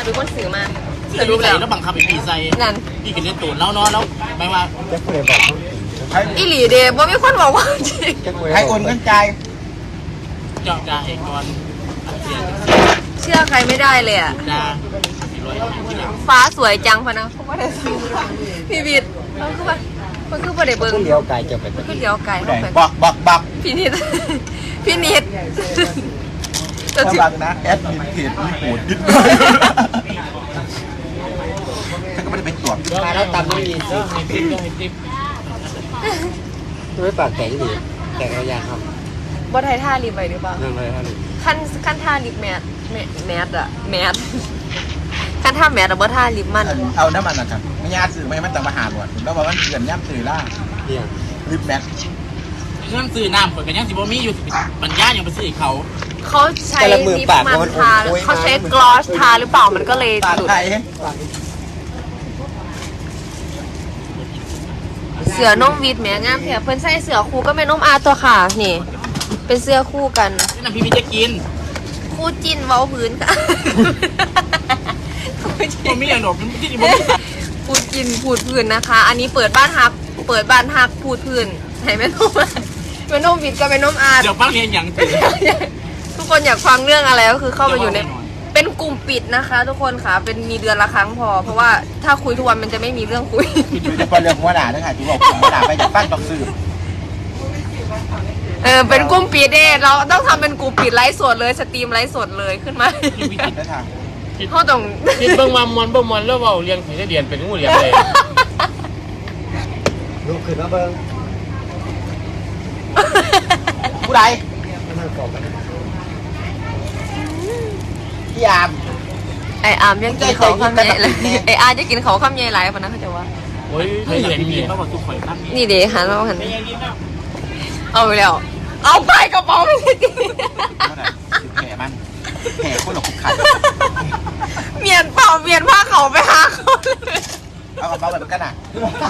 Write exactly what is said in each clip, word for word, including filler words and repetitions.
เป็นคนสื่อมาแต่รู้แล้วแล้วบังคับไปปีใส่นั่นพี่กินเล่นตูนแล้วนอนแล้วไม่ว่าจะคุยบอกอีหลีเดบ่มีคนบอกว่าจริงให้โอนเงินใจเจาะจ่าเองก่อนเชื่อใครไม่ได้เลยอ่ะฟ้าสวยจังพะนะพี่บิดเขาคือว่าเขาคือประเดี๋ยวเบิ้งเลี้ยวไก่จะไปคือเลี้ยวไก่บอกบอกบอกพี่นิดพี่นิดจะบังนะแอดมินเพจมีโหดยึดฉันก็ไม่ได้เป็นตัวมาแล้วตามไม่มีสิตัวไม่ปากแข็งดีแต่กระยานครับบ่ไทยท่าลิฟไปหรือเปล่าเรื่องอะไรท่าลิฟขั้นขั้นท่าลิฟแมสแมสอะแมสขั้นท่าแมสอะบ่ท่าลิฟมันเอาน้ำมันนะครับไม่ยากสื่อไม่มันจะมาหาหมดแล้วบอกว่าเกลื่อนย่ำสื่อล่าเดียวลิฟแมสเรื่องซื้อน้ำคนกันยังสิบ่มีอยู่บรรยายยังไปซื้อเขาเขาใช้ลิปมันทาเขาใช้กลอสทาหรือเปล่ามันก็เลยหลุดเสือนุ่มวีดแม่งามเถอะเพิ่นใส่เสือคู่ก็ไม่นุ่มอาตัวค่ะนี่เป็นเสื้อคู่กันนี่น้ำพี่พี่จะกินคู่จิ้นเว้าพื้นค่ะผมมีอย่างหนกที่นี่ผมคู่จิ้นพูดพื้นนะคะอันนี้เปิดบ้านฮักเปิดบ้านฮักพูดพื้นให้แม่นุ่มแม่นุ่มวีดก็แม่นุ่มอาเดี๋ยวฟังเรียนอย่างทุกคนอยากฟังเรื่องอะไรก็คือเข้ามาอยู่ในเป็นกลุ่มปิดนะคะทุกคนค่ะเป็นมีเดือนละครั้งพอเพราะว่าถ้าคุยทุกวันมันจะไม่มีเรื่องคุยคือจะเป็นเรื่องหัวหน้าด้วยค่ะที่บอกหัวหน้าไปจากบ้านต้องซื้อเออเป็นกลุ่มปิดเด้เราต้องทำเป็นกลุ่มปิดไลฟ์สดเลยสตรีมไลฟ์สดเลยขึ้นมาเขาต้องคิดเบิ่งมามวนเบิ่งมวนแล้วเว้าเรียงผีเรียนเป็นงูเรียนเลยลูกขึ้นมาเบิ่งผู้ใดพี่อามไออามยังกินเขาข้ามใหญ่เลยไออาร์จะกินเขาข้ามใหญ่หลายคนนะเขาจะว่าโอ้ยไม่เห็นมีเขาบอกทุกคนข้ามนี่เดี๋ยวหันมาหันเอาไปแล้วเอาไปกระเป๋าไม่ได้กินแผลมันแผลคนหลอกคุกขัดเมียนเปล่าเมียนผ้าเขาไปหาเขาเลยเอากระเป๋าแบบกันอ่ะ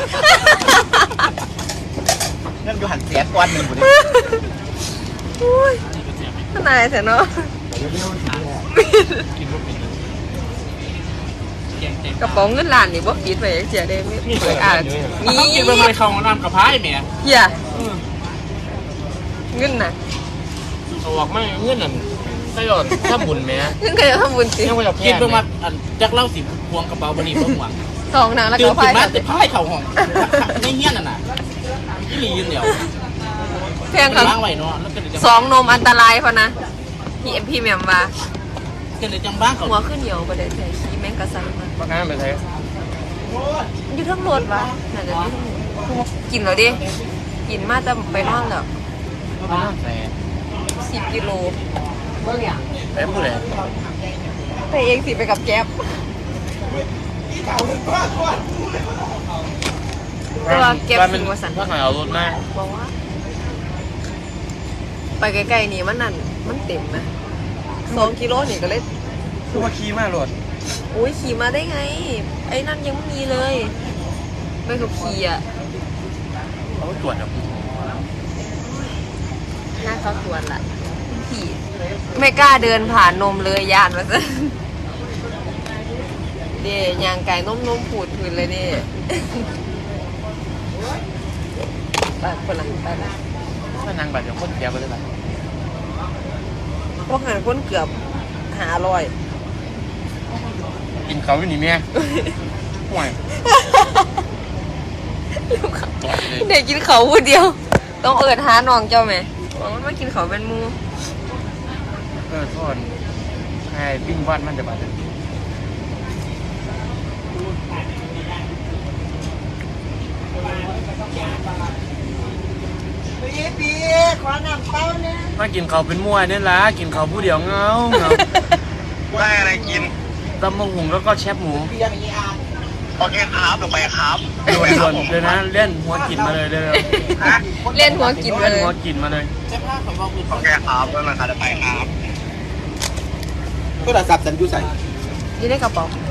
นั่นอยู่หันเสียก้อนหนึ่งหมดเลยขนาดเสียเนาะกระป๋องเงินล้านนี่บ่ปิดไปเสียได้ไม่เปิดอ่านนี่กินไปไม่เข้าน้ำกระพายแม่เหี้ยเงินน่ะออกมาเงินนั่นใช่หรอถ้าบุญแม่เงินก็จะทำบุญสิกินไปมาจักเล่าสิพวงกระเป๋าบริบทหวังสองนางแล้วก็พายมาแต่พายเข่าห้องไม่เงี้ยน่ะน่ะที่รียืนเดียวแพงกันสองนมอันตรายพอนะพี่เอ็มพี่แมมว่าหัวขึ้นเหี่ยวประเดี๋ยวใส่ขี้แมงกระไซมาปากน้ำไปใส่อยู่ทั้งรถวะน่าจะกินเหรอดิกินมาจะไปนอนแล้วสิบกิโลไปพูดเลยไปเองสิไปกับแก๊ปตัวแก๊ปสิงวสันถ้าใครเอารถมาบอกว่าไปใกล้ๆนี่มันนั่นมันเต็มนะสองกิโลนี่ก็เลยคือว่าขี่มาหลดอุ้ยขี่มาได้ไงไอ้นั่นยังไม่มีเลยไม่ขับขี่อ่ะเขาตรวจครับน่าเขาตรวจละขี่ไม่กล้าเดินผ่านนมเลยย่านมาซะเดี๋ยวยางไก่นุ่มๆผูดพื้นเลยเดี๋ยไปคนหลังไปละถ้านางแบบอย่างคนแก่ไปเลยแบบพวกหันคนเกือบหาลอยกินเขาอยู่นี่แม่ห่วยเด็กกินเขาพูดเดียวต้องเอิดหาน้องเจ้าไหมบอกว่ามากินเขาเป็นมูเออทอดให้ปิ้งบ้านมันจะบาดเจ็บปีขอน้ำเต้าเนี่ยมากินเขาเป็นมั่วเนี่ยละกินเขาผู้เดียวเงาเงาได้อะไรกินตำมะฮุงแล้วก็แชบหมูโอเคครับลงไปครับด่วนเลยนะเล่นหัวกินมาเลยเลยเล่นหัวกินมาเลยหัวกินมาเลยโอเคครับแล้วนะครับจะไปครับโทรศัพท์ฉันอยู่ใส่ยี่ได้กระเป๋า